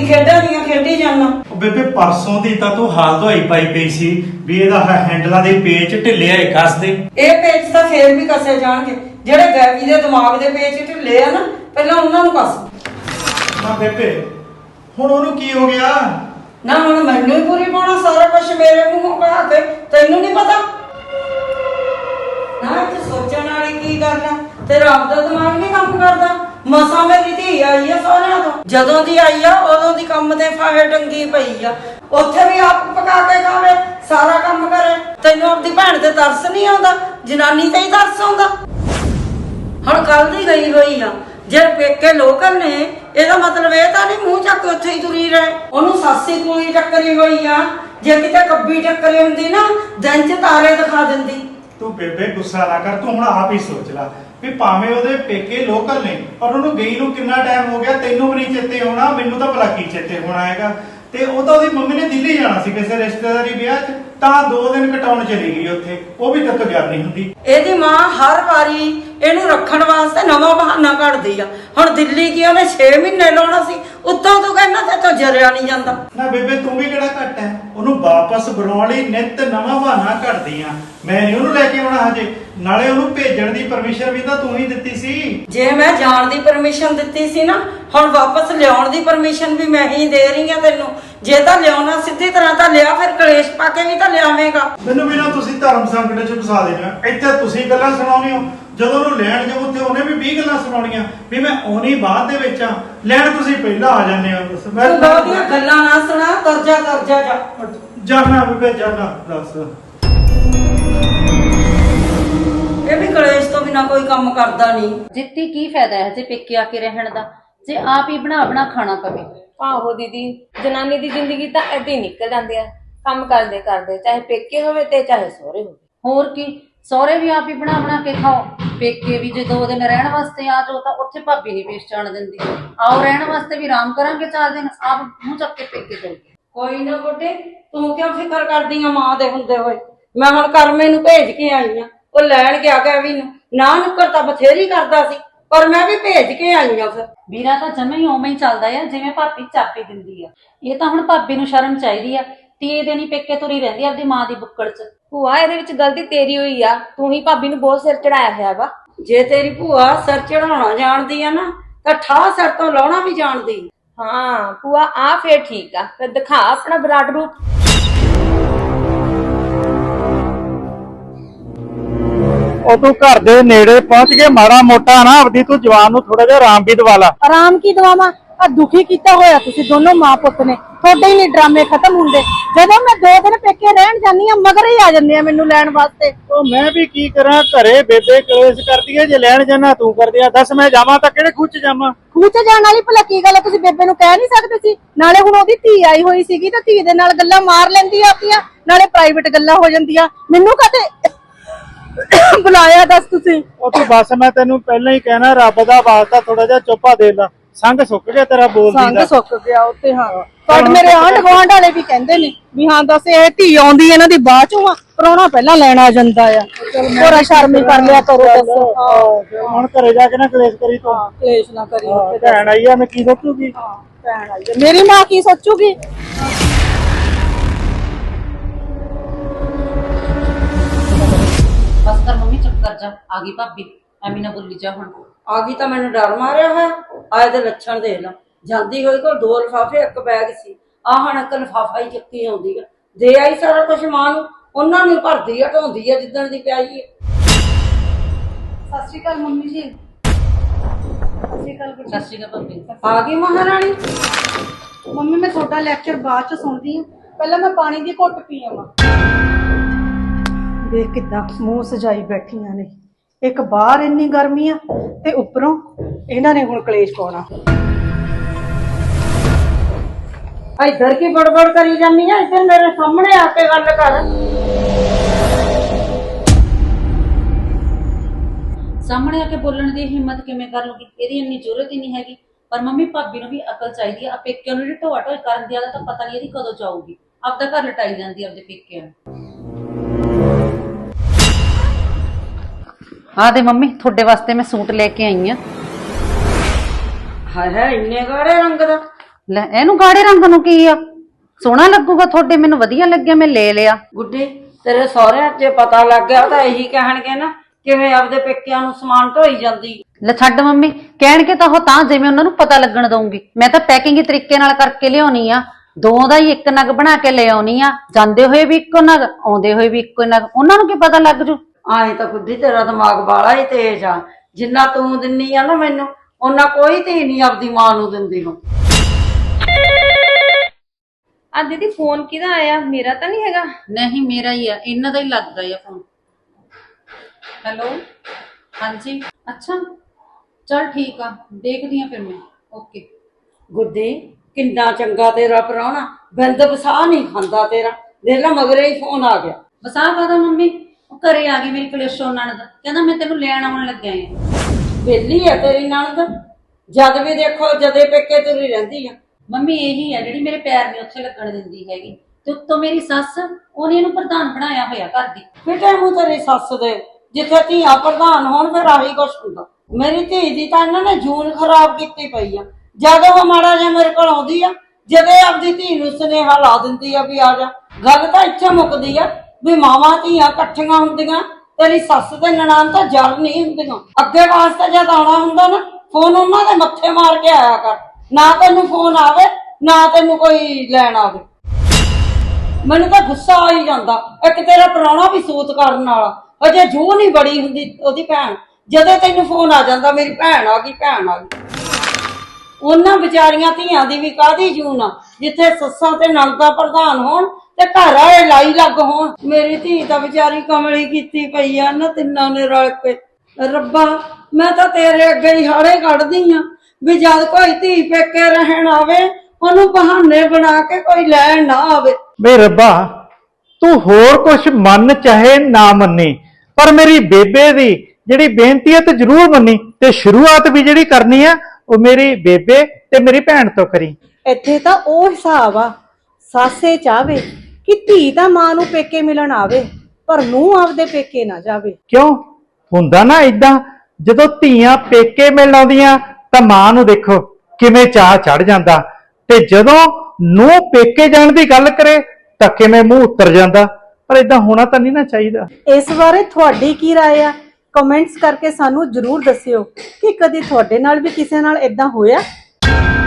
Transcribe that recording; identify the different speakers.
Speaker 1: ਖੇਡਾਂ ਦੀਆਂ ਖੇਡੀ ਜਾਣਾ।
Speaker 2: ਬੇਬੇ ਪਰਸੋਂ ਦੀ ਤਾਂ ਤੂੰ ਹਾਲ ਦਵਾਈ ਪਾਈ ਪਈ ਸੀ ਵੀ ਇਹਦਾ ਹੈਂਡਲਾਂ ਦੇ ਪੇਚ ਢਿੱਲੇ ਆਏ ਕੱਸ ਦੇ।
Speaker 1: ਇਹ ਪੇਚ ਤਾਂ ਫੇਰ ਵੀ ਕੱਸੇ ਜਾਣਗੇ, ਜਿਹੜੇ ਗੈਵੀ ਦੇ ਦਿਮਾਗ ਦੇ ਪੇਚ ਢਿੱਲੇ ਆ ਨਾ, ਪਹਿਲਾਂ ਉਹਨਾਂ ਨੂੰ ਕੱਸ।
Speaker 2: ਨਾ ਬੇਬੇ ਹੁਣ ਉਹਨੂੰ ਕੀ ਹੋ ਗਿਆ?
Speaker 1: ਨਾ ਹੁਣ ਮੈਨੂੰ ਹੀ ਪੂਰੀ ਪਾਉਣਾ ਸਾਰਾ ਕੁਝ ਮੇਰੇ ਮੂੰਹੋਂ ਕਹਾ ਕੇ, ਤੈਨੂੰ ਨਹੀਂ ਪਤਾ? ਨਾ ਤੇ ਸੋਚਣ ਵਾਲੀ ਕੀ ਗੱਲ ਆ, ਤੇਰਾ ਆਪਦਾ ਦਿਮਾਗ ਨਹੀਂ ਕੰਮ ਕਰਦਾ। ਮਸਾਂ ਮੇਰੀ ਧੀ ਆਈ ਆ ਸਾਰਿਆਂ ਤੋਂ, ਜਦੋਂ ਦੀ ਆਈ ਆ ਉਦੋਂ ਦੀ ਕੰਮ ਤੇ ਫਾਹੇ ਟੰਗੀ ਪਈ ਆ। ਉੱਥੇ ਵੀ ਆਪ ਪਕਾ ਕੇ ਖਾਵੇ, ਸਾਰਾ ਕੰਮ ਕਰੇ। ਤੈਨੂੰ ਆਪਦੀ ਭੈਣ ਤੇ ਤਰਸ ਨਹੀਂ ਆਉਂਦਾ? ਜਨਾਨੀ ਤੇ ਹੀ ਤਰਸ ਆਉਂਦਾ। ਹੁਣ ਕੱਲ ਦੀ ਗਈ ਹੋਈ ਆ, ਜੇ ਪੇਕੇ ਲੋਕਲ ਨੇ ਇਹਦਾ ਮਤਲਬ ਇਹ ਤਾਂ ਨਹੀਂ ਮੂੰਹ ਚੱਕ ਕੇ ਉੱਥੇ ਹੀ ਤੁਰੀ ਰਹੇ। ਉਹਨੂੰ ਸਾਸੀ ਕੋਲੀ ਟੱਕਰੀ ਹੋਈ ਆ, ਜੇ ਕਿਤੇ ਕੱਬੀ ਟੱਕਰੀ ਹੁੰਦੀ ਨਾ ਦਿਨ ਚ ਤਾਰੇ ਦਿਖਾ ਦਿੰਦੀ।
Speaker 2: ਤੂੰ ਬੇਬੇ ਗੁੱਸਾ ਨਾ ਕਰ, ਤੂੰ ਹੁਣ ਆਪ ਹੀ ਸੋਚ ਲੈ ਵੀ ਭਾਵੇਂ ਉਹਦੇ ਪੇਕੇ ਲੋਕਲ ਨੇ ਪਰ ਉਹਨੂੰ ਗਈ ਨੂੰ ਕਿੰਨਾ ਟਾਈਮ ਹੋ ਗਿਆ, ਤੈਨੂੰ ਵੀ ਨਹੀਂ ਚੇਤੇ ਹੋਣਾ, ਮੈਨੂੰ ਤਾਂ ਭਲਾ ਕੀ ਚੇਤੇ ਹੋਣਾ ਹੈਗਾ। ਤੇ ਉਹ ਤਾਂ ਉਹਦੀ ਮੰਮੀ ਨੇ ਦਿੱਲੀ ਜਾਣਾ ਸੀ ਕਿਸੇ ਰਿਸ਼ਤੇਦਾਰੀ ਵਿਆਹ 'ਚ, ਤਾਂ 2 ਦਿਨ ਕਟਾਉਣ ਚਲੀ ਗਈ ਉੱਥੇ, ਉਹ ਵੀ ਤੱਕ ਗੱਲ ਨਹੀਂ ਹੁੰਦੀ।
Speaker 1: ਇਹਦੀ ਮਾਂ ਹਰ ਵਾਰੀ ਇਹਨੂੰ ਰੱਖਣ ਵਾਸਤੇ ਨਵਾਂ ਬਹਾਨਾ ਕੱਢਦੀ ਆ। ਹੁਣ ਦਿੱਲੀ ਕੀ ਉਹਨੇ 6 ਮਹੀਨੇ ਲਾਉਣਾ ਸੀ, ਉੱਤੋਂ ਤੂੰ ਕਹਿੰਦਾ ਤੇ ਤੋਂ ਜਰਿਆ ਨਹੀਂ ਜਾਂਦਾ।
Speaker 2: ਨਾ ਬੇਬੇ ਤੂੰ ਵੀ ਕਿਹੜਾ ਘੱਟ ਹੈ, ਉਹਨੂੰ ਵਾਪਸ ਬੁਲਾਉਣ ਲਈ ਨਿੱਤ ਨਵਾਂ ਬਹਾਨਾ ਕੱਢਦੀ ਆ। ਮੈਂ ਨਹੀਂ ਉਹਨੂੰ ਲੈ ਕੇ ਆਉਣਾ ਹਜੇ, ਨਾਲੇ ਉਹਨੂੰ ਭੇਜਣ ਦੀ ਪਰਮਿਸ਼ਨ ਵੀ ਤਾਂ ਤੂੰ ਹੀ ਦਿੱਤੀ ਸੀ।
Speaker 1: ਜੇ ਮੈਂ ਜਾਣ ਦੀ ਪਰਮਿਸ਼ਨ ਦਿੱਤੀ ਸੀ ਨਾ, ਹੁਣ ਵਾਪਸ ਲਿਆਉਣ ਦੀ ਪਰਮਿਸ਼ਨ ਵੀ ਮੈਂ ਹੀ ਦੇ ਰਹੀ ਆ ਤੈਨੂੰ। ਜੇ ਤਾਂ ਲਿਆਉਣਾ ਸਿੱਧੀ ਤਰ੍ਹਾਂ ਤਾਂ ਲਿਆ, ਫਿਰ ਕਲੇਸ਼ ਪਾ ਕੇ ਵੀ ਤਾਂ ਲਿਆਵੇਂਗਾ।
Speaker 2: ਮੈਨੂੰ ਵੀ ਨਾ ਤੁਸੀਂ ਧਰਮ ਸੰਕਟ 'ਚ ਫਸਾ ਦੇਣਾ। ਇੱਥੇ ਤੁਸੀਂ ਗੱਲਾਂ ਸੁਣਾਉਣੀ ਹੋ, ਜਦੋਂ ਉਹਨੂੰ ਲੈਣ ਜਾਓ ਉੱਥੇ ਉਹਨੇ ਵੀ 20 ਗੱਲਾਂ ਸੁਣਾਉਣੀਆਂ ਵੀ ਮੈਂ ਆਉਣੀ ਬਾਅਦ ਦੇ ਵਿੱਚ ਆ, ਲੈਣ ਤੁਸੀਂ ਪਹਿਲਾਂ ਆ ਜਾਂਦੇ ਹੋ। ਮੈਂ
Speaker 1: ਬਹੁਤੀਆਂ ਗੱਲਾਂ ਨਾ ਸੁਣਾ, ਤਰਜਾ ਜਾ
Speaker 2: ਜਾਣਾ ਬੇਬੇ ਜਾਣਾ, ਦੱਸ।
Speaker 1: ਇਹ ਵੀ ਕਲੇਸ਼ ਤੋਂ ਬਿਨਾ ਕੋਈ ਕੰਮ ਕਰਦਾ ਨਹੀਂ।
Speaker 3: ਜਿੱਤੀ ਕੀ ਫਾਇਦਾ ਹੈ ਜੇ ਪੇਕੇ ਆ ਕੇ ਰਹਿਣ ਦਾ, ਜੇ ਆਪ ਹੀ ਬਣਾ ਖਾਣਾ ਪਵੇ।
Speaker 4: ਆਹੋ ਦੀਦੀ, ਜਨਾਨੀ ਦੀ ਜ਼ਿੰਦਗੀ ਤਾਂ ਏਦਾਂ ਹੀ ਨਿਕਲ ਜਾਂਦੀ ਆ, ਕੰਮ ਕਰਦੇ ਕਰਦੇ, ਚਾਹੇ ਪੇਕੇ ਹੋਵੇ ਤੇ ਚਾਹੇ ਸਹੁਰੇ ਹੋਵੇ।
Speaker 3: ਹੋਰ ਕੀ, ਸਹੁਰੇ ਵੀ ਆਪ ਹੀ ਬਣਾ ਕੇ ਖਾਓ, ਪੇਕੇ ਵੀ ਜੇ 2 ਦਿਨ ਰਹਿਣ ਵਾਸਤੇ ਆ ਜਾਓ ਤਾਂ ਉੱਥੇ ਭਾਬੀ ਨਹੀਂ ਪੇਸ਼ ਜਾਣ ਦਿੰਦੀ। ਆਓ ਰਹਿਣ ਵਾਸਤੇ ਵੀ ਆਰਾਮ ਕਰਾਂਗੇ 4 ਦਿਨ, ਆਪ ਮੂੰਹ ਚੱਕ ਕੇ ਪੇਕੇ ਚਲ ਗਏ।
Speaker 1: ਕੋਈ ਨਾ ਬੁੱਢੇ, ਤੂੰ ਕਿਉਂ ਫਿਕਰ ਕਰਦੀ ਆ ਮਾਂ ਦੇ ਹੁੰਦੇ ਹੋਏ? ਮੈਂ ਹੁਣ ਕਰਮੇ ਨੂੰ ਭੇਜ ਕੇ ਆਈ ਆ, ਉਹ ਲੈਣ ਗਿਆ ਗੈਵੀ ਨੂੰ। ਨਾ ਨੁੱਕਰ ਤਾਂ ਬਥੇਰੀ ਕਰਦਾ ਸੀ, ਪਰ ਮੈਂ ਵੀ ਭੇਜ ਕੇ ਆਈ ਆ। ਫਿਰ
Speaker 3: ਵੀਰਾ ਤਾਂ ਜਮੇ ਹੀ ਉਵੇਂ ਹੀ ਚੱਲਦਾ ਆ ਜਿਵੇਂ ਭਾਬੀ ਚਾਪੀ ਦਿੰਦੀ ਆ। ਇਹ ਤਾਂ ਹੁਣ ਭਾਬੀ ਨੂੰ ਸ਼ਰਮ ਚਾਹੀਦੀ ਆ, 30 ਦਿਨ ਹੀ ਪੇਕੇ ਤੁਰੀ ਰਹਿੰਦੀ ਆਪਦੀ ਮਾਂ ਦੀ ਬੁੱਕੜ 'ਚ।
Speaker 4: ਭੂਆ ਇਹਦੇ ਵਿੱਚ ਗਲਤੀ ਤੇਰੀ ਹੋਈ ਆ, ਤੂੰ ਹੀ ਭਾਬੀ ਨੂੰ ਬਹੁਤ ਸਿਰ ਚੜਾਇਆ ਹੋਇਆ ਵਾ।
Speaker 1: ਜੇ ਤੇਰੀ ਭੂਆ ਸਿਰ ਚੜਾਉਣਾ ਜਾਣਦੀ ਆ ਨਾ, ਤਾਂ ਠਾਹ ਸਿਰ ਤੋਂ ਲਾਉਣਾ ਵੀ ਜਾਣਦੀ।
Speaker 4: ਹਾਂ ਭੂਆ, ਆ ਫੇਰ ਠੀਕ ਆ, ਫਿਰ ਦਿਖਾ ਆਪਣਾ ਵਿਰਾਟ ਰੂਪ।
Speaker 5: ਉਹ ਤੂੰ ਘਰ ਦੇ ਨੇੜੇ ਪਹੁੰਚ ਕੇ ਮਾੜਾ ਮੋਟਾ ਨਾ ਆਪਦੀ ਤੂੰ ਜਵਾਨ ਨੂੰ ਥੋੜਾ ਜਿਹਾ ਆਰਾਮ ਵੀ ਦਵਾ ਲਾ।
Speaker 6: ਆਰਾਮ ਕੀ ਦਵਾਵਾਂ? ਆ ਦੁਖੀ ਕੀਤਾ ਹੋਇਆ ਤੁਸੀਂ ਦੋਨੋਂ ਮਾਂ ਪੁੱਤ ਨੇ, ਤੁਹਾਡੇ ਹੀ ਨਹੀਂ ਡਰਾਮੇ ਖਤਮ ਹੁੰਦੇ। ਜਦੋਂ ਮੈਂ 2 ਦਿਨ ਪੇਕੇ ਰਹਿਣ ਜਾਂਦੀ ਆ, ਮਗਰ ਹੀ ਆ ਜਾਂਦੇ ਆ ਮੈਨੂੰ ਲੈਣ ਵਾਸਤੇ।
Speaker 5: ਉਹ ਮੈਂ ਵੀ ਕੀ ਕਰਾਂ, ਘਰੇ ਬੇਬੇ ਕਲੇਸ਼ ਕਰਦੀ ਹੈ, ਜੇ ਲੈਣ ਜਾਣਾ ਤੂੰ ਕਰਦੀ ਆ। ਦੱਸ ਮੈਂ ਜਾਵਾਂ ਤਾਂ ਕਿਹੜੇ ਖੂਹ 'ਚ ਜਾਵਾਂ?
Speaker 6: ਖੂਹ 'ਚ ਜਾਣ ਵਾਲੀ ਭਲਾ ਕੀ ਗੱਲ ਹੈ? ਤੁਸੀਂ ਬੇਬੇ ਨੂੰ ਕਹਿ ਨਹੀਂ ਸਕਦੇ ਸੀ? ਨਾਲੇ ਹੁਣ ਉਹਦੀ ਧੀ ਆਈ ਹੋਈ ਸੀਗੀ ਤਾਂ ਧੀ ਦੇ ਨਾਲ ਗੱਲਾਂ ਮਾਰ ਲੈਂਦੀ ਆ ਆਪਣੀਆਂ, ਨਾਲੇ ਪ੍ਰਾਈਵੇਟ ਗੱਲਾਂ ਹੋ ਜਾਂਦੀਆਂ। ਮੈਨੂੰ ਕਦੇ ਬੁਲਾਇਆ ਦੱਸ ਤੁਸੀਂ?
Speaker 5: ਉਹ ਤੂੰ ਬਸ, ਮੈਂ ਤੈਨੂੰ ਪਹਿਲਾਂ ਹੀ ਕਹਿਣਾ, ਰੱਬ ਦਾ ਵਾਸਤਾ ਥੋੜਾ ਜਿਹਾ ਚੁੱਪਾ ਦੇ ਲਾ। ਸੰਗ ਸੁੱਕ ਗਿਆ ਤੇਰਾ ਬੋਲਦੀ ਦਾ।
Speaker 6: ਸੰਗ ਸੁੱਕ ਗਿਆ ਉੱਤੇ। ਹਾਂ, ਪਰ ਮੇਰੇ ਆਂਢ ਗੁਆਂਢ ਵਾਲੇ ਵੀ ਕਹਿੰਦੇ ਨੇ ਵੀ ਹਾਂ ਦੱਸ, ਇਹ ਧੀ ਆਉਂਦੀ ਇਹਨਾਂ ਦੀ ਬਾਅਦ ਚੋਂ ਆ, ਪ੍ਰਾਹੁਣਾ ਪਹਿਲਾਂ ਲੈਣ ਆ ਜਾਂਦਾ ਆ। ਥੋੜਾ ਸ਼ਰਮੀ ਕਰ ਲਿਆ ਕਰੋ। ਦੱਸੋ
Speaker 5: ਹੁਣ ਘਰੇ ਜਾ ਕੇ ਨਾ ਕਲੇਸ਼ ਕਰੀ ਤੂੰ।
Speaker 6: ਕਲੇਸ਼ ਨਾ ਕਰੀ।
Speaker 5: ਭੈਣ ਆਈ ਆ, ਮੈਂ ਕੀ ਸੋਚੂਗੀ?
Speaker 6: ਭੈਣ ਆਈ ਆ, ਮੇਰੀ ਮਾਂ ਕੀ ਸੋਚੂਗੀ?
Speaker 3: ਬਸ ਕਰ ਮੰਮੀ, ਚੁੱਪ ਕਰ ਜਾ। ਆ ਗਈ ਭਾਬੀ, ਐਵੇਂ ਨਾ ਬੋਲੀ ਜਾ। ਹੁਣ
Speaker 1: ਆ ਗਈ ਤਾਂ ਮੈਨੂੰ ਡਰ ਮਾਰਿਆ ਹੋਇਆ। ਆਏ ਦੇ ਲੱਛਣ ਦੇਖ ਲਾ। ਜਾਂਦੀ ਹੋਈ ਕੋਲ 2 ਲਿਫਾਫੇ 1 ਬੈਗ ਸੀ, ਆਹ ਹੁਣ 1 ਲਿਫਾਫਾ ਹੀ ਚੱਕੀ ਆਉਂਦੀ ਆ। ਦੇ ਆਈ ਸਾਰਾ ਕੁਝ ਮਾਂ ਨੂੰ, ਉਹਨਾਂ ਨੂੰ ਭਰਦੀ ਆ ਢੋਂਦੀ ਆ ਜਿੱਦਣ ਦੀ ਪਿਆਈ ਹੈ।
Speaker 6: ਸਤਿ ਸ਼੍ਰੀ ਅਕਾਲ ਮੰਮੀ ਜੀ।
Speaker 3: ਸਤਿ ਸ਼੍ਰੀ ਅਕਾਲ ਭਾਬੀ।
Speaker 1: ਆ ਗਈ ਮਹਾਰਾਣੀ।
Speaker 6: ਮੰਮੀ ਮੈਂ ਤੁਹਾਡਾ ਲੈਕਚਰ ਬਾਅਦ ਚ ਸੁਣਦੀ ਆ, ਪਹਿਲਾਂ ਮੈਂ ਪਾਣੀ ਦੀ ਘੁੱਟ ਪੀ ਆਵਾਂ। ਦੇਖ ਕਿੱਦਾਂ ਮੂੰਹ ਸਜਾਈ ਬੈਠੀਆਂ ਨੇ। ਇੱਕ ਬਾਹਰ ਇੰਨੀ ਗਰਮੀ ਆ ਤੇ ਉੱਪਰੋਂ ਇਹਨਾਂ ਨੇ ਹੁਣ ਕਲੇਸ਼ ਪਾਉਣਾ।
Speaker 1: ਇੱਧਰ ਕੀ ਬੜਬੜ ਕਰੀ ਜਾਂਦੀ ਆ? ਇੱਧਰ ਮੇਰੇ ਸਾਹਮਣੇ ਆ ਕੇ ਗੱਲ ਕਰ।
Speaker 3: ਸਾਹਮਣੇ ਆ ਕੇ ਬੋਲਣ ਦੀ ਹਿੰਮਤ ਕਿਵੇਂ ਕਰ ਲੂਗੀ? ਇਹਦੀ ਇੰਨੀ ਜ਼ਰੂਰਤ ਹੀ ਨਹੀਂ ਹੈਗੀ। ਪਰ ਮੰਮੀ ਭਾਬੀ ਨੂੰ ਵੀ ਅਕਲ ਚਾਹੀਦੀ ਆ। ਪੇਕਿਆਂ ਨੂੰ ਜਿਹੜੀ ਢੋਆ ਢੋਈ ਕਰਨ ਦੀ ਆਦਤ ਤਾਂ ਪਤਾ ਨਹੀਂ ਇਹਦੀ ਕਦੋਂ ਜਾਊਗੀ। ਆਪਦਾ ਘਰ ਲਟਾਈ ਜਾਂਦੀ ਆਪਦੇ ਪੇਕਿਆਂ ਨੂੰ। ਹਾਂ ਦੇ ਮੰਮੀ, ਤੁਹਾਡੇ ਵਾਸਤੇ ਮੈਂ ਸੂਟ ਲੈ ਕੇ ਆਈ ਆ।
Speaker 1: ਹਾਏ ਹਾਏ, ਇੰਨੇ ਗਾੜੇ ਰੰਗ ਦਾ
Speaker 3: ਲੈ ਇਹਨੂੰ ਗਾੜੇ ਰੰਗ ਨੂੰ ਕੀ ਆ? ਸੋਹਣਾ ਲੱਗੂਗਾ ਤੁਹਾਡੇ, ਮੈਨੂੰ ਵਧੀਆ ਲੱਗਿਆ, ਮੈਂ ਲੈ ਲਿਆ।
Speaker 1: ਗੁੱਡੀ ਤੇਰੇ ਸਹੁਰਿਆਂ 'ਚ ਪਤਾ ਲੱਗ ਗਿਆ ਤਾਂ ਇਹੀ ਕਹਿਣਗੇ ਨਾ, ਕਿਵੇਂ ਆਪਦੇ ਪੇਕਿਆਂ ਨੂੰ ਸਮਾਨ ਢੋਈ ਜਾਂਦੀ।
Speaker 3: ਲੈ ਛੱਡ ਮੰਮੀ, ਕਹਿਣਗੇ ਤਾਂ ਉਹ ਤਾਂ ਜਿਵੇਂ ਉਹਨਾਂ ਨੂੰ ਪਤਾ ਲੱਗਣ ਦਊਂਗੀ। ਮੈਂ ਤਾਂ ਪੈਕਿੰਗ ਤਰੀਕੇ ਨਾਲ ਕਰਕੇ ਲਿਆਉਣੀ ਆ, ਦੋ ਦਾ ਹੀ ਇੱਕ ਨਗ ਬਣਾ ਕੇ ਲੈ ਆਉਣੀ ਆ, ਜਾਂਦੇ ਹੋਏ ਵੀ ਇੱਕੋ ਨਗ, ਆਉਂਦੇ ਹੋਏ ਵੀ ਇੱਕੋ ਨਗ, ਉਹਨਾਂ ਨੂੰ ਕੀ ਪਤਾ ਲੱਗ ਜੂ।
Speaker 1: ਆਏ ਤਾਂ ਗੁੱਡੀ ਤੇਰਾ ਦਿਮਾਗ ਬਾਲਾ ਹੀ ਤੇਜ਼ ਆ, ਜਿੰਨਾ ਤੂੰ ਦਿੰਨੀ ਆ ਨਾ ਮੈਨੂੰ, ਉਹਨਾਂ ਕੋਈ ਧੀ ਨਹੀਂ ਆਪਦੀ ਮਾਂ ਨੂੰ ਦਿੰਦੀ ਨੂੰ।
Speaker 4: ਆ ਦੀਦੀ ਫੋਨ ਕਿਹਦਾ ਆਇਆ? ਮੇਰਾ ਤਾਂ ਨਹੀਂ ਹੈਗਾ।
Speaker 3: ਨਹੀਂ ਮੇਰਾ ਹੀ ਆ, ਇਹਨਾਂ ਦਾ ਹੀ ਲੱਗਦਾ ਆ ਫੋਨ। ਹੈਲੋ, ਹਾਂਜੀ, ਅੱਛਾ ਚਲ ਠੀਕ ਆ, ਦੇਖਦੀ ਆ ਫਿਰ ਮੈਂ। ਓਕੇ।
Speaker 1: ਗੁੱਡੀ ਕਿੰਨਾ ਚੰਗਾ ਤੇਰਾ ਪ੍ਰਾਹੁਣਾ, ਬਿੰਦ ਵਸਾ ਨਹੀਂ ਖਾਂਦਾ ਤੇਰਾ, ਦੇਖ ਲੈ ਮਗਰੇ ਹੀ ਫੋਨ ਆ ਗਿਆ।
Speaker 3: ਬਸਾ ਕਾਦਾ ਮੰਮੀ, ਉਹ ਘਰੇ ਆ ਗਈ ਮੇਰੀ ਕਲੇਸ਼ੋ ਨਣਦ, ਕਹਿੰਦਾ ਮੈਂ ਤੈਨੂੰ ਲੈਣ ਆਉਣ ਲੱਗਿਆ ਆ।
Speaker 1: ਵਿਹਲੀ ਆ ਤੇਰੀ ਨਣਦ, ਜਦ ਵੀ ਦੇਖੋ ਜਦੇ ਪੇਕੇ ਤੁਰੀ ਰਹਿੰਦੀ ਆ।
Speaker 3: ਮੰਮੀ ਇਹੀ ਆ ਜਿਹੜੀ ਮੇਰੇ ਪੈਰ ਨਹੀਂ ਉੱਥੇ ਲੱਗਣ ਦਿੰਦੀ ਹੈਗੀ, ਤੇ ਉੱਤੋਂ ਮੇਰੀ ਸੱਸ, ਉਹਨੇ ਇਹਨੂੰ ਪ੍ਰਧਾਨ ਬਣਾਇਆ ਹੋਇਆ ਘਰ ਦੀ।
Speaker 1: ਫਿਟੇ ਮੂੰਹ ਤੇਰੀ ਸੱਸ ਦੇ, ਜਿੱਥੇ ਧੀਆਂ ਪ੍ਰਧਾਨ ਹੋਣ ਫਿਰ ਆਹੀ ਕੁਛ ਹੁੰਦਾ। ਮੇਰੀ ਧੀ ਦੀ ਤਾਂ ਇਹਨਾਂ ਨੇ ਜੂਨ ਖਰਾਬ ਕੀਤੀ ਪਈ ਆ। ਜਦ ਉਹ ਮਾੜਾ ਜਿਹਾ ਮੇਰੇ ਕੋਲ ਆਉਂਦੀ ਆ, ਜਦੇ ਆਪਦੀ ਧੀ ਨੂੰ ਸੁਨੇਹਾ ਲਾ ਦਿੰਦੀ ਆ ਵੀ ਆ ਜਾ। ਗੱਲ ਤਾਂ ਇੱਥੇ ਮੁੱਕਦੀ ਆ ਵੀ ਮਾਵਾਂ ਧੀਆਂ ਇਕੱਠੀਆਂ ਹੁੰਦੀਆਂ, ਤੇਰੀ ਸੱਸ ਤੇ ਨਨਾਣ ਤਾਂ ਜੜ ਨਹੀਂ ਹੁੰਦੀਆਂ। ਅੱਗੇ ਵਾਸਤੇ ਜਦ ਆਉਣਾ ਹੁੰਦਾ ਨਾ, ਫੋਨ ਉਹਨਾਂ ਦੇ ਮੱਥੇ ਮਾਰ ਕੇ ਆਇਆ ਕਰ, ਨਾ ਤੈਨੂੰ ਫੋਨ ਆਵੇ ਨਾ ਤੈਨੂੰ ਕੋਈ ਲੈਣ ਆਵੇ। ਮੈਨੂੰ ਤਾਂ ਗੁੱਸਾ ਆ ਹੀ ਜਾਂਦਾ। ਇੱਕ ਤੇਰਾ ਪ੍ਰਾਹੁਣਾ ਵੀ ਸੂਤ ਕਰਨ ਵਾਲਾ, ਅਜੇ ਜੂ ਨਹੀਂ ਬੜੀ ਹੁੰਦੀ ਉਹਦੀ ਭੈਣ, ਜਦੋਂ ਤੈਨੂੰ ਫੋਨ ਆ ਜਾਂਦਾ ਮੇਰੀ ਭੈਣ ਆ ਗਈ, ਭੈਣ ਆ ਗਈ। ਉਹਨਾਂ ਵਿਚਾਰੀਆਂ ਧੀਆਂ ਦੀ ਵੀ ਕਾਹਦੀ ਜੂਨ ਆ, ਜਿੱਥੇ ਸੱਸਾਂ ਤੇ ਨਣਦਾਂ ਪ੍ਰਧਾਨ ਹੋਣ ਤੇ ਘਰ ਵਾਲੇ ਲਾਈ ਲੱਗ ਹੋਣ। ਮੇਰੀ ਧੀ ਤਾਂ ਵਿਚਾਰੀ ਕਮਲੀ ਕੀਤੀ ਪਈ ਆ ਨਾ ਤਿੰਨਾਂ ਨੇ ਰਲ ਕੇ। ਰੱਬਾ ਮੈਂ ਤਾਂ ਤੇਰੇ ਅੱਗੇ ਹੀ ਹਾੜੇ ਕੱਢਦੀ ਆ ਵੀ ਜਦ ਕੋਈ ਧੀ ਪੇਕੇ ਰਹਿਣ ਆਵੇ, ਉਹਨੂੰ ਬਹਾਨੇ ਬਣਾ ਕੇ ਕੋਈ ਲੈਣ ਨਾ ਆਵੇ।
Speaker 5: ਬੇ ਰੱਬਾ, ਤੂੰ ਹੋਰ ਕੁਛ ਮੰਨ ਚਾਹੇ ਨਾ ਮੰਨੀ, ਪਰ ਮੇਰੀ ਬੇਬੇ ਦੀ ਜਿਹੜੀ ਬੇਨਤੀ ਹੈ ਤੇ ਜ਼ਰੂਰ ਮੰਨੀ, ਤੇ ਸ਼ੁਰੂਆਤ ਵੀ ਜਿਹੜੀ ਕਰਨੀ ਆ ਉਹ ਮੇਰੀ ਬੇਬੇ ਤੇ ਮੇਰੀ ਭੈਣ ਤੋਂ ਕਰੀ।
Speaker 6: ਇੱਥੇ ਤਾਂ ਉਹ ਹਿਸਾਬ ਆ, ਸਾਸੇ ਚਾਹਵੇ ਕਿ ਧੀ ਤਾਂ ਮਾਂ ਨੂੰ ਪੇਕੇ ਮਿਲਣ ਆਵੇ, ਪਰ ਨੂੰਹ ਆਪਦੇ ਪੇਕੇ ਨਾ ਜਾਵੇ।
Speaker 5: ਕਿਉਂ ਹੁੰਦਾ ਨਾ ਇਦਾਂ, ਜਦੋਂ ਧੀਆਂ ਪੇਕੇ ਮਿਲਣ ਆਉਂਦੀਆਂ ਤਾਂ ਮਾਂ ਨੂੰ ਦੇਖੋ ਕਿਵੇਂ ਚਾਹ ਚੜ ਜਾਂਦਾ, ਤੇ ਜਦੋਂ ਨੂੰਹ ਪੇਕੇ ਜਾਣ ਦੀ ਗੱਲ ਕਰੇ ਤਾਂ ਕਿਵੇਂ ਮੂੰਹ ਉੱਤਰ ਜਾਂਦਾ। ਪਰ ਇਦਾਂ ਹੋਣਾ ਤਾਂ ਨਹੀਂ ਨਾ ਚਾਹੀਦਾ।
Speaker 6: ਇਸ ਬਾਰੇ ਤੁਹਾਡੀ ਕੀ ਰਾਏ ਆ? ਕਮੈਂਟਸ ਕਰਕੇ ਸਾਨੂੰ ਜਰੂਰ ਦੱਸਿਓ ਕਿ ਕਦੀ ਤੁਹਾਡੇ ਨਾਲ ਵੀ ਕਿਸੇ ਨਾਲ ਇਦਾਂ ਹੋਇਆ।